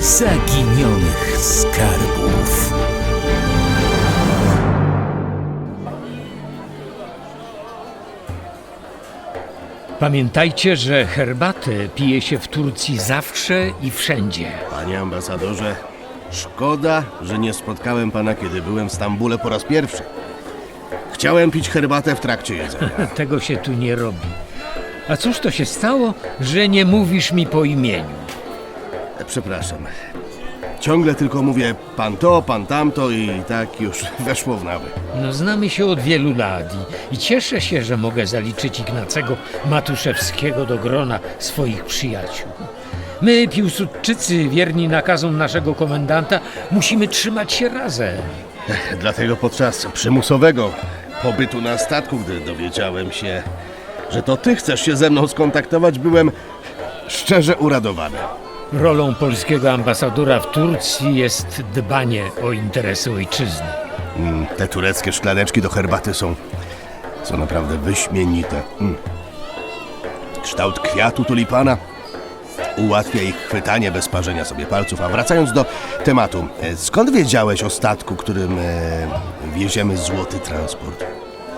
zaginionych skarbów. Pamiętajcie, że herbatę pije się w Turcji zawsze i wszędzie. Panie ambasadorze, szkoda, że nie spotkałem pana, kiedy byłem w Stambule po raz pierwszy. Chciałem pić herbatę w trakcie jedzenia. Tego się tu nie robi. A cóż to się stało, że nie mówisz mi po imieniu? Przepraszam. Ciągle tylko mówię pan to, pan tamto i tak już weszło w nawyk. No, znamy się od wielu lat i cieszę się, że mogę zaliczyć Ignacego Matuszewskiego do grona swoich przyjaciół. My, Piłsudczycy, wierni nakazom naszego komendanta, musimy trzymać się razem. Dlatego podczas przymusowego pobytu na statku, gdy dowiedziałem się, że to ty chcesz się ze mną skontaktować, byłem szczerze uradowany. Rolą polskiego ambasadora w Turcji jest dbanie o interesy ojczyzny. Te tureckie szklaneczki do herbaty są naprawdę wyśmienite. Kształt kwiatu tulipana ułatwia ich chwytanie bez parzenia sobie palców. A wracając do tematu, skąd wiedziałeś o statku, którym wieziemy złoty transport?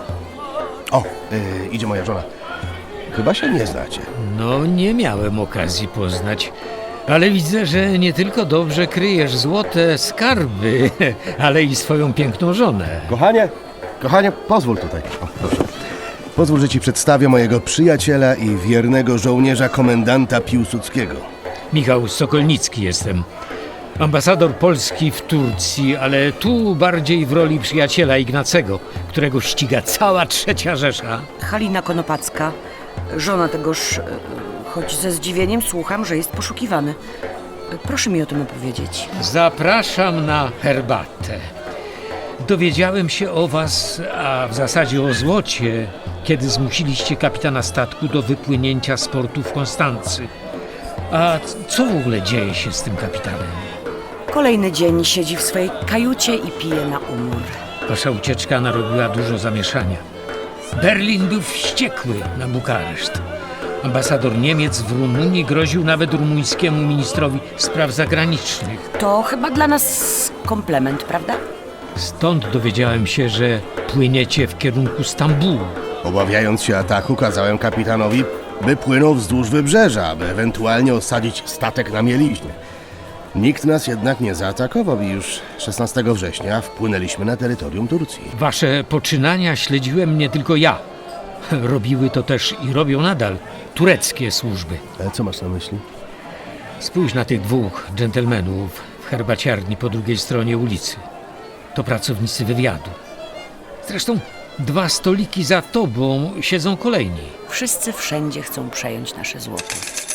O, idzie moja żona. Chyba się nie znacie. No, nie miałem okazji poznać, ale widzę, że nie tylko dobrze kryjesz złote skarby, ale i swoją piękną żonę. Kochanie, pozwól tutaj. O, proszę. Pozwól, że ci przedstawię mojego przyjaciela i wiernego żołnierza komendanta Piłsudskiego. Michał Sokolnicki jestem. Ambasador Polski w Turcji, ale tu bardziej w roli przyjaciela Ignacego, którego ściga cała III Rzesza. Halina Konopacka, żona tegoż, choć ze zdziwieniem słucham, że jest poszukiwany. Proszę mi o tym opowiedzieć. Zapraszam na herbatę. Dowiedziałem się o was, a w zasadzie o złocie, kiedy zmusiliście kapitana statku do wypłynięcia z portu w Konstancy. A co w ogóle dzieje się z tym kapitanem? Kolejny dzień siedzi w swojej kajucie i pije na umór. Wasza ucieczka narobiła dużo zamieszania. Berlin był wściekły na Bukareszt. Ambasador Niemiec w Rumunii groził nawet rumuńskiemu ministrowi spraw zagranicznych. To chyba dla nas komplement, prawda? Stąd dowiedziałem się, że płyniecie w kierunku Stambułu. Obawiając się ataku, kazałem kapitanowi, by płynął wzdłuż wybrzeża, aby ewentualnie osadzić statek na mieliźnie. Nikt nas jednak nie zaatakował i już 16 września wpłynęliśmy na terytorium Turcji. Wasze poczynania śledziłem nie tylko ja. Robiły to też i robią nadal tureckie służby. Ale co masz na myśli? Spójrz na tych dwóch dżentelmenów w herbaciarni po drugiej stronie ulicy. To pracownicy wywiadu. Zresztą 2 stoliki za tobą siedzą kolejni. Wszyscy wszędzie chcą przejąć nasze złoto.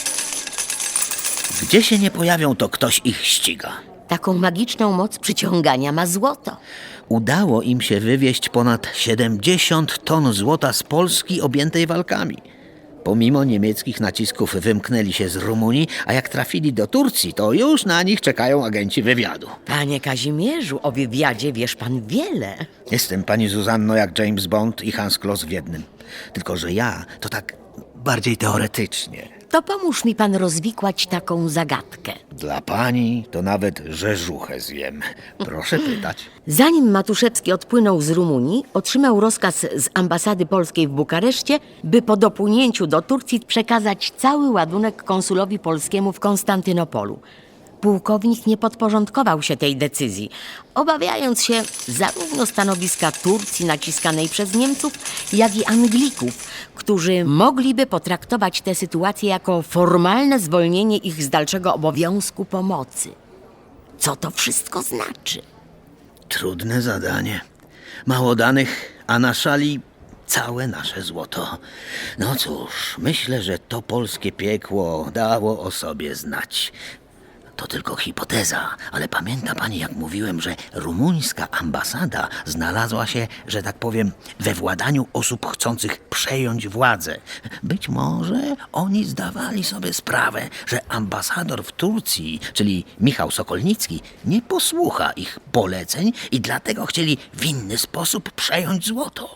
Gdzie się nie pojawią, to ktoś ich ściga. Taką magiczną moc przyciągania ma złoto. Udało im się wywieźć ponad 70 ton złota z Polski objętej walkami. Pomimo niemieckich nacisków wymknęli się z Rumunii, a jak trafili do Turcji, to już na nich czekają agenci wywiadu. Panie Kazimierzu, o wywiadzie wiesz pan wiele. Jestem, pani Zuzanno, jak James Bond i Hans Kloss w jednym. Tylko że ja to tak bardziej teoretycznie. To pomóż mi pan rozwikłać taką zagadkę. Dla pani to nawet rzeżuchę zjem. Proszę pytać. Zanim Matuszewski odpłynął z Rumunii, otrzymał rozkaz z ambasady polskiej w Bukareszcie, by po dopłynięciu do Turcji przekazać cały ładunek konsulowi polskiemu w Konstantynopolu. Pułkownik nie podporządkował się tej decyzji, obawiając się zarówno stanowiska Turcji naciskanej przez Niemców, jak i Anglików, którzy mogliby potraktować tę sytuację jako formalne zwolnienie ich z dalszego obowiązku pomocy. Co to wszystko znaczy? Trudne zadanie. Mało danych, a na szali całe nasze złoto. No cóż, myślę, że to polskie piekło dało o sobie znać. To tylko hipoteza, ale pamięta pani, jak mówiłem, że rumuńska ambasada znalazła się, że tak powiem, we władaniu osób chcących przejąć władzę. Być może oni zdawali sobie sprawę, że ambasador w Turcji, czyli Michał Sokolnicki, nie posłucha ich poleceń i dlatego chcieli w inny sposób przejąć złoto.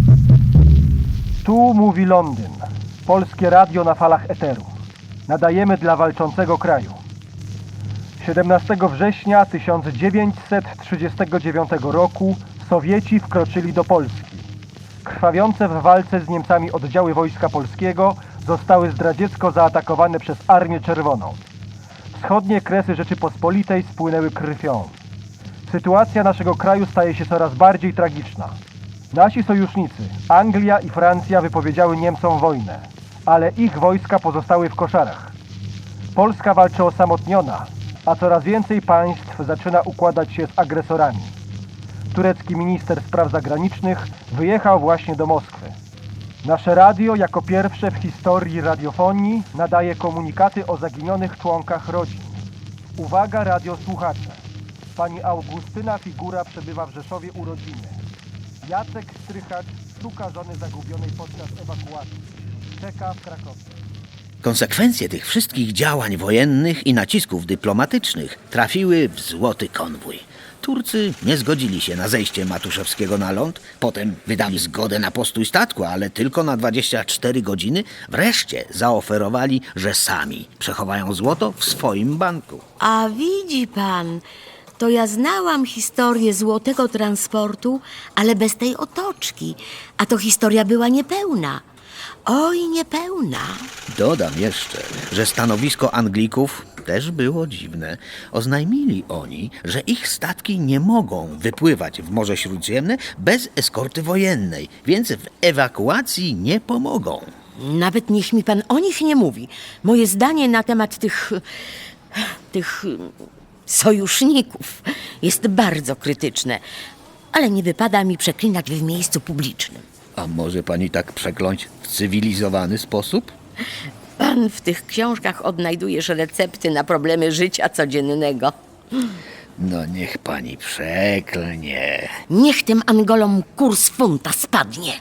Tu mówi Londyn. Polskie radio na falach eteru. Nadajemy dla walczącego kraju. 17 września 1939 roku Sowieci wkroczyli do Polski. Krwawiące w walce z Niemcami oddziały Wojska Polskiego zostały zdradziecko zaatakowane przez Armię Czerwoną. Wschodnie kresy Rzeczypospolitej spłynęły krwią. Sytuacja naszego kraju staje się coraz bardziej tragiczna. Nasi sojusznicy, Anglia i Francja, wypowiedziały Niemcom wojnę, ale ich wojska pozostały w koszarach. Polska walczy osamotniona, a coraz więcej państw zaczyna układać się z agresorami. Turecki minister spraw zagranicznych wyjechał właśnie do Moskwy. Nasze radio jako pierwsze w historii radiofonii nadaje komunikaty o zaginionych członkach rodzin. Uwaga radiosłuchacze! Pani Augustyna Figura przebywa w Rzeszowie urodziny. Jacek Strychacz szuka żony zagubionej podczas ewakuacji. Czeka w Krakowie. Konsekwencje tych wszystkich działań wojennych i nacisków dyplomatycznych trafiły w złoty konwój. Turcy nie zgodzili się na zejście Matuszewskiego na ląd, potem wydali zgodę na postój statku, ale tylko na 24 godziny. Wreszcie zaoferowali, że sami przechowają złoto w swoim banku. A widzi pan, to ja znałam historię złotego transportu, ale bez tej otoczki. A to historia była niepełna. Oj, niepełna. Dodam jeszcze, że stanowisko Anglików też było dziwne. Oznajmili oni, że ich statki nie mogą wypływać w Morze Śródziemne bez eskorty wojennej, więc w ewakuacji nie pomogą. Nawet niech mi pan o nich nie mówi. Moje zdanie na temat tych sojuszników jest bardzo krytyczne, ale nie wypada mi przeklinać w miejscu publicznym. A może pani tak przekląć w cywilizowany sposób? Pan w tych książkach odnajdujesz recepty na problemy życia codziennego. No niech pani przeklnie. Niech tym Angolom kurs funta spadnie.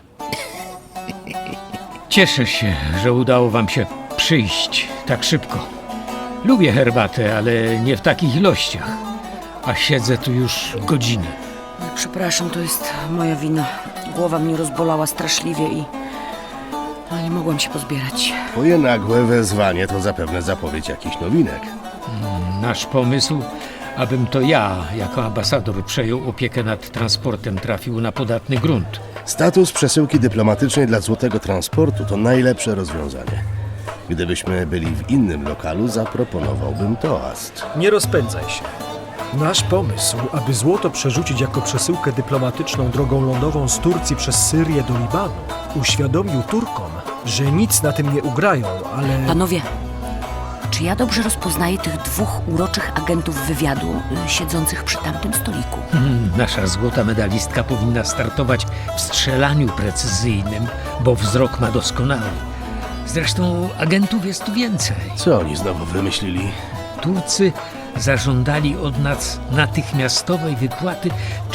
Cieszę się, że udało wam się przyjść tak szybko. Lubię herbatę, ale nie w takich ilościach. A siedzę tu już godzinę. Przepraszam, to jest moja wina. Głowa mnie rozbolała straszliwie i nie mogłam się pozbierać. Twoje nagłe wezwanie to zapewne zapowiedź jakichś nowinek. Nasz pomysł, abym to ja, jako ambasador, przejął opiekę nad transportem, trafił na podatny grunt. Status przesyłki dyplomatycznej dla złotego transportu to najlepsze rozwiązanie. Gdybyśmy byli w innym lokalu, zaproponowałbym toast. Nie rozpędzaj się. Nasz pomysł, aby złoto przerzucić jako przesyłkę dyplomatyczną drogą lądową z Turcji przez Syrię do Libanu, uświadomił Turkom, że nic na tym nie ugrają, ale... Panowie, czy ja dobrze rozpoznaję tych dwóch uroczych agentów wywiadu siedzących przy tamtym stoliku? Nasza złota medalistka powinna startować w strzelaniu precyzyjnym, bo wzrok ma doskonały. Zresztą agentów jest tu więcej. Co oni znowu wymyślili? Turcy zażądali od nas natychmiastowej wypłaty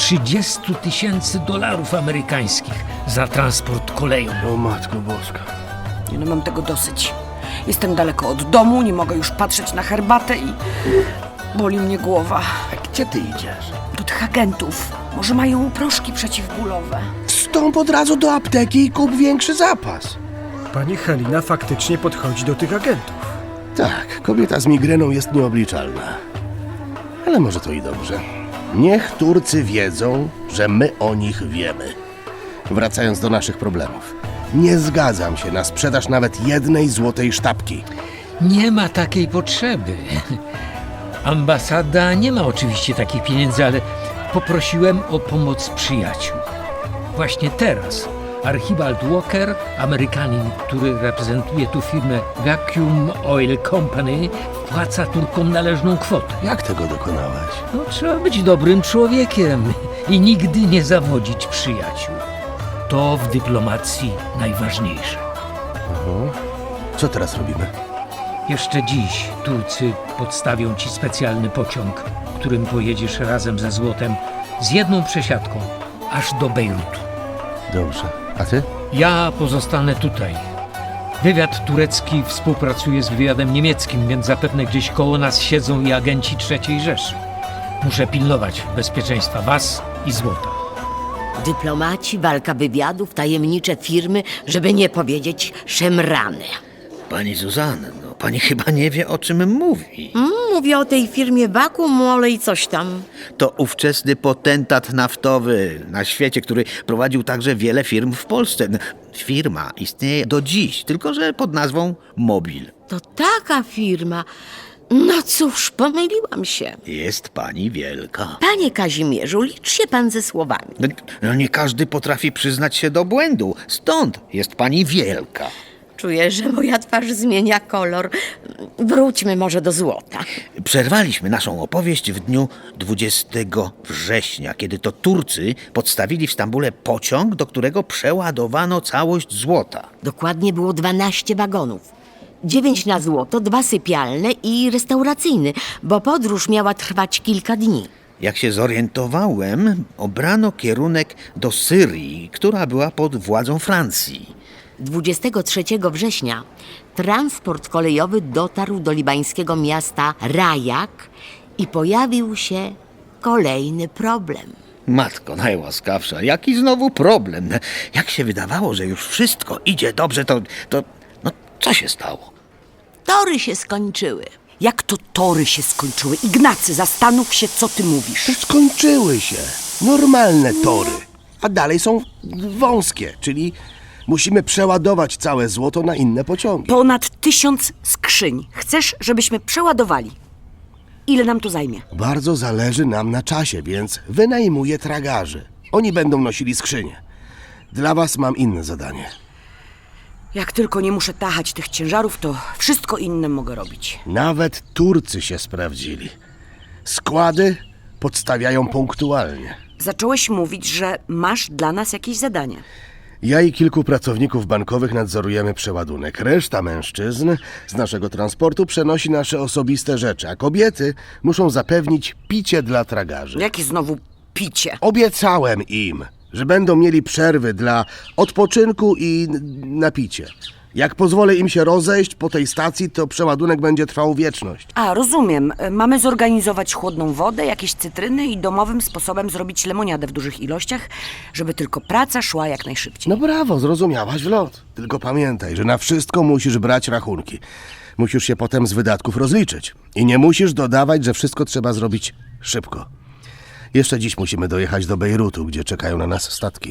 $30 000 amerykańskich za transport koleją. O Matko Boska. Nie no, mam tego dosyć. Jestem daleko od domu, nie mogę już patrzeć na herbatę i boli mnie głowa. A gdzie ty idziesz? Do tych agentów. Może mają proszki przeciwbólowe. Wstąp od razu do apteki i kup większy zapas. Pani Halina faktycznie podchodzi do tych agentów. Tak, kobieta z migreną jest nieobliczalna. Ale może to i dobrze. Niech Turcy wiedzą, że my o nich wiemy. Wracając do naszych problemów. Nie zgadzam się na sprzedaż nawet jednej złotej sztabki. Nie ma takiej potrzeby. Ambasada nie ma oczywiście takich pieniędzy, ale poprosiłem o pomoc przyjaciół. Właśnie teraz Archibald Walker, Amerykanin, który reprezentuje tu firmę Vacuum Oil Company, wpłaca Turkom należną kwotę. Jak tego dokonałaś? No, trzeba być dobrym człowiekiem i nigdy nie zawodzić przyjaciół. To w dyplomacji najważniejsze. Co teraz robimy? Jeszcze dziś Turcy podstawią ci specjalny pociąg, którym pojedziesz razem ze złotem z jedną przesiadką aż do Bejrutu. Dobrze. A ty? Ja pozostanę tutaj. Wywiad turecki współpracuje z wywiadem niemieckim, więc zapewne gdzieś koło nas siedzą i agenci III Rzeszy. Muszę pilnować bezpieczeństwa was i złota. Dyplomaci, walka wywiadów, tajemnicze firmy, żeby nie powiedzieć szemrane. Pani Zuzanno, pani chyba nie wie, o czym mówi. Mówię o tej firmie Vacuum Olej coś tam. To ówczesny potentat naftowy na świecie, który prowadził także wiele firm w Polsce. Firma istnieje do dziś, tylko że pod nazwą Mobil. To taka firma. No cóż, pomyliłam się. Jest pani wielka. Panie Kazimierzu, licz się pan ze słowami. No nie każdy potrafi przyznać się do błędu. Stąd jest pani wielka. Czuję, że moja twarz zmienia kolor. Wróćmy może do złota. Przerwaliśmy naszą opowieść w dniu 20 września, kiedy to Turcy podstawili w Stambule pociąg, do którego przeładowano całość złota. Dokładnie było 12 wagonów. 9 na złoto, 2 sypialne i restauracyjny, bo podróż miała trwać kilka dni. Jak się zorientowałem, obrano kierunek do Syrii, która była pod władzą Francji. 23 września transport kolejowy dotarł do libańskiego miasta Rajak i pojawił się kolejny problem. Matko najłaskawsza, jaki znowu problem? Jak się wydawało, że już wszystko idzie dobrze, to co się stało? Tory się skończyły. Jak to tory się skończyły? Ignacy, zastanów się, co ty mówisz. Skończyły się. Normalne tory. A dalej są wąskie, czyli musimy przeładować całe złoto na inne pociągi. Ponad 1000 skrzyń. Chcesz, żebyśmy przeładowali? Ile nam to zajmie? Bardzo zależy nam na czasie, więc wynajmuję tragarzy. Oni będą nosili skrzynie. Dla was mam inne zadanie. Jak tylko nie muszę tachać tych ciężarów, to wszystko inne mogę robić. Nawet Turcy się sprawdzili. Składy podstawiają punktualnie. Zacząłeś mówić, że masz dla nas jakieś zadanie. Ja i kilku pracowników bankowych nadzorujemy przeładunek. Reszta mężczyzn z naszego transportu przenosi nasze osobiste rzeczy, a kobiety muszą zapewnić picie dla tragarzy. Jakie znowu picie? Obiecałem im, że będą mieli przerwy dla odpoczynku i na picie. Jak pozwolę im się rozejść po tej stacji, to przeładunek będzie trwał wieczność. A, rozumiem. Mamy zorganizować chłodną wodę, jakieś cytryny i domowym sposobem zrobić lemoniadę w dużych ilościach, żeby tylko praca szła jak najszybciej. No brawo, zrozumiałaś w lot. Tylko pamiętaj, że na wszystko musisz brać rachunki. Musisz się potem z wydatków rozliczyć. I nie musisz dodawać, że wszystko trzeba zrobić szybko. Jeszcze dziś musimy dojechać do Bejrutu, gdzie czekają na nas statki.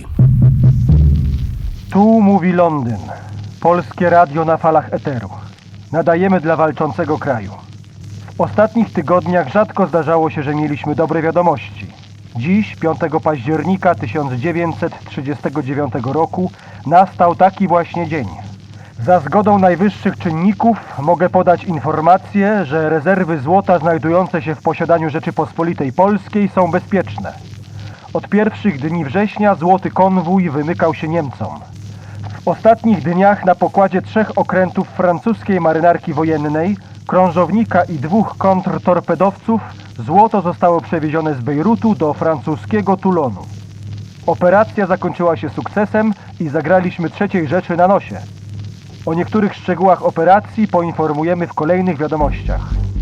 Tu mówi Londyn. Polskie radio na falach eteru. Nadajemy dla walczącego kraju. W ostatnich tygodniach rzadko zdarzało się, że mieliśmy dobre wiadomości. Dziś, 5 października 1939 roku, nastał taki właśnie dzień. Za zgodą najwyższych czynników mogę podać informację, że rezerwy złota znajdujące się w posiadaniu Rzeczypospolitej Polskiej są bezpieczne. Od pierwszych dni września złoty konwój wymykał się Niemcom. W ostatnich dniach na pokładzie 3 okrętów francuskiej marynarki wojennej, krążownika i 2 kontrtorpedowców złoto zostało przewiezione z Bejrutu do francuskiego Toulonu. Operacja zakończyła się sukcesem i zagraliśmy 3. rzeczy na nosie. O niektórych szczegółach operacji poinformujemy w kolejnych wiadomościach.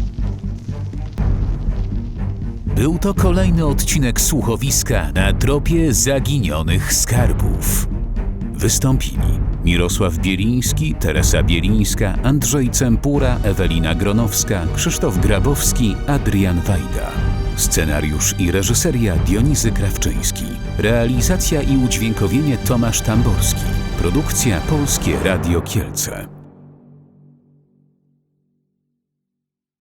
Był to kolejny odcinek słuchowiska na tropie zaginionych skarbów. Wystąpili Mirosław Bieliński, Teresa Bielińska, Andrzej Cempura, Ewelina Gronowska, Krzysztof Grabowski, Adrian Wajda. Scenariusz i reżyseria Dionizy Krawczyński. Realizacja i udźwiękowienie Tomasz Tamborski. Produkcja Polskie Radio Kielce.